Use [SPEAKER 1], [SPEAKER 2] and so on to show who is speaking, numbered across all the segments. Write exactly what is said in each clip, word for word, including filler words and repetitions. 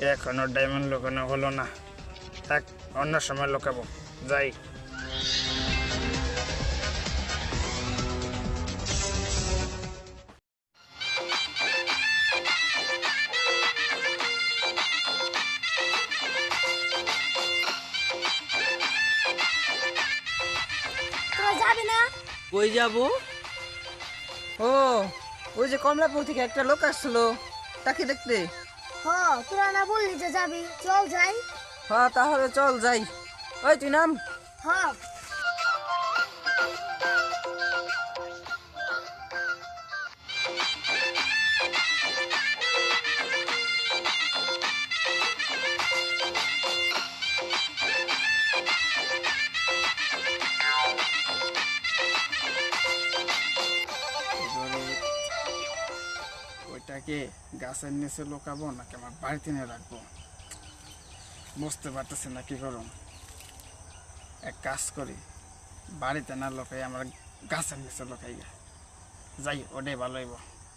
[SPEAKER 1] এখনো ডায়মন্ড লুকানো হলো না। থাক, অন্য সময় লুকাবো। যাই।
[SPEAKER 2] তোরা যাবি না?
[SPEAKER 3] কই যাব?
[SPEAKER 4] ও, ওই যে কমলাপুর থেকে একটা লোক আসছিল, তাকে দেখতে।
[SPEAKER 2] হ, তোরা না বললি যে যাবি, চল যাই।
[SPEAKER 4] হ্যাঁ, তাহলে চল যাই। ওই তুই নাম।
[SPEAKER 2] হ।
[SPEAKER 1] ওইটাকে গাছের নিচে লুকাবো নাকি আমার বাড়িতে নিয়ে রাখবো, বুঝতে পারতেছি না কি করুন। এক কাজ করি, বাড়িতে না লোকাই আমার গাছের নিচে লোকাই যাই, ওটাই ভালো হইব।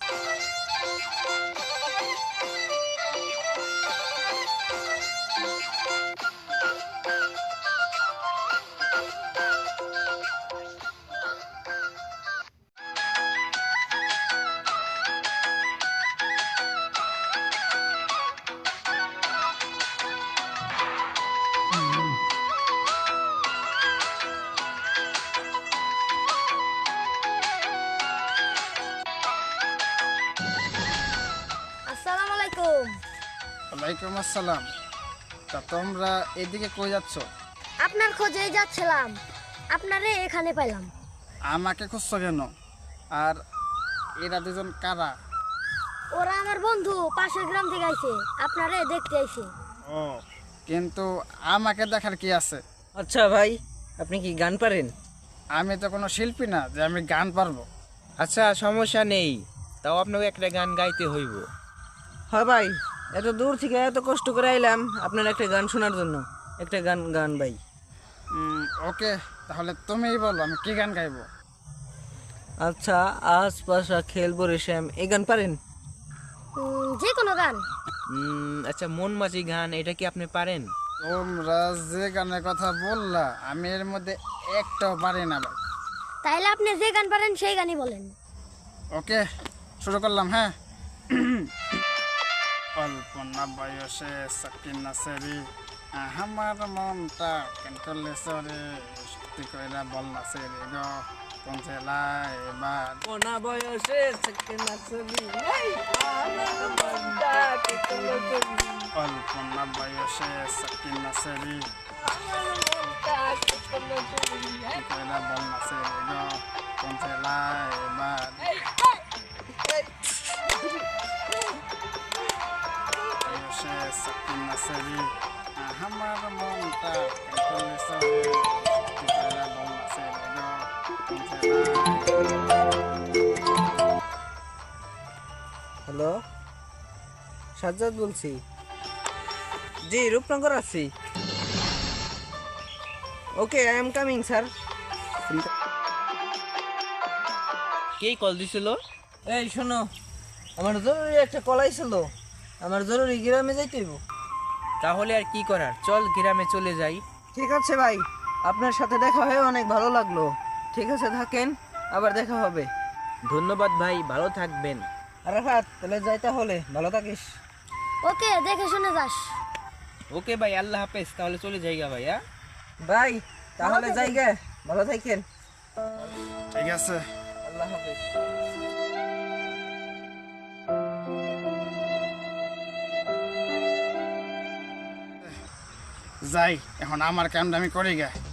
[SPEAKER 2] আসসালামু আলাইকুম।
[SPEAKER 1] ওয়ালাইকুম আসসালাম। তা তোমরা এদিকে কই যাচ্ছ?
[SPEAKER 2] আপনার খোঁজেই যাচ্ছিলাম, আপনারে এখানে পেলাম।
[SPEAKER 1] আমাকে খুঁজছো কেন? আর এরা দুজন কারা?
[SPEAKER 2] ওরা আমার বন্ধু, পাশের গ্রাম থেকে আইছে, আপনারে দেখতে আইছে।
[SPEAKER 1] ও, কিন্তু আমাকে দেখার কি আছে?
[SPEAKER 4] আচ্ছা ভাই, আপনি কি গান পারেন?
[SPEAKER 1] আমি তো কোনো শিল্পী না যে আমি গান পারবো।
[SPEAKER 3] আচ্ছা, সমস্যা নেই, তাও আপনাকে একটা গান গাইতে হইব।
[SPEAKER 4] হ্যাঁ ভাই, এত দূর থেকে এত কষ্ট করে আইলাম আপনার একটা গান শোনার জন্য। একটা গান গান ভাই।
[SPEAKER 1] উম, ওকে, তাহলে তুমিই বলো আমি কি গান গাইবো।
[SPEAKER 4] আচ্ছা, আশপাশা খেলবো রে শ্যাম, এই গান পারেন?
[SPEAKER 2] উম, যে কোনো গান।
[SPEAKER 3] উম, আচ্ছা, মন মাঝি গান, এটা কি আপনি পারেন?
[SPEAKER 1] তোমরা যে গানের কথা বললা আমি এর মধ্যে একটাও পারি না ভাই।
[SPEAKER 2] তাইলে আপনি যে গান পারেন সেই গানই বলেন।
[SPEAKER 1] ওকে, শুরু করলাম। হ্যাঁ। কল্পনা বয়সে সাকিনা সেরি আমার মনটা কেন করলে সরে, সত্যি কইরা বল না সেরি গো, কোন জেলায় এবার?
[SPEAKER 4] কোনা বয়সে সাকিনা ছবি, এই আমার মনটা কি করলো তুমি?
[SPEAKER 1] কল্পনা বয়সে সাকিনা সেরি
[SPEAKER 4] আমার মনটা কি করলো তুমি?
[SPEAKER 1] সত্যি কইরা বল না সেরি গো, কোন জেলায় এবার?
[SPEAKER 4] এই, এই,
[SPEAKER 1] বয়সে সাকিনা সেরি আমার মনটা কেন করলে সরে, সত্যি কইরা বল না সেরি গো, কোন জেলায়?
[SPEAKER 4] হ্যালো, সাজ্জাদ বলছি। জি, রূপনগর আছি। Okay, I am coming sir.
[SPEAKER 3] কে কল দিছিল?
[SPEAKER 4] এই শোনো, আমার জরুরি একটা কলাই ছিল, আমার জরুরি গ্রামে যাইতে হইব।
[SPEAKER 3] তাহলে আর কি করার, চল গ্রামে চলে যাই।
[SPEAKER 4] ঠিক আছে ভাই, আপনার সাথে দেখা হয়ে অনেক ভালো লাগলো। ঠিক আছে, থাকেন, আবার দেখা হবে।
[SPEAKER 3] ধন্যবাদ ভাই, ভালো থাকবেন।
[SPEAKER 4] আরাফাত, তাহলে যাই, তাহলে ভালো থাকিস।
[SPEAKER 2] ওকে, দেখে শুনে যাস।
[SPEAKER 3] ওকে ভাই, আল্লাহ হাফেজ, তাহলে চলে যাইগা ভাই। হ্যাঁ
[SPEAKER 4] ভাই, তাহলে যাই গে, ভালো থাকেন।
[SPEAKER 1] ঠিক আছে।
[SPEAKER 4] আল্লাহ হাফেজ।
[SPEAKER 1] যাই, এখন আমার কামটা আমি করি গে।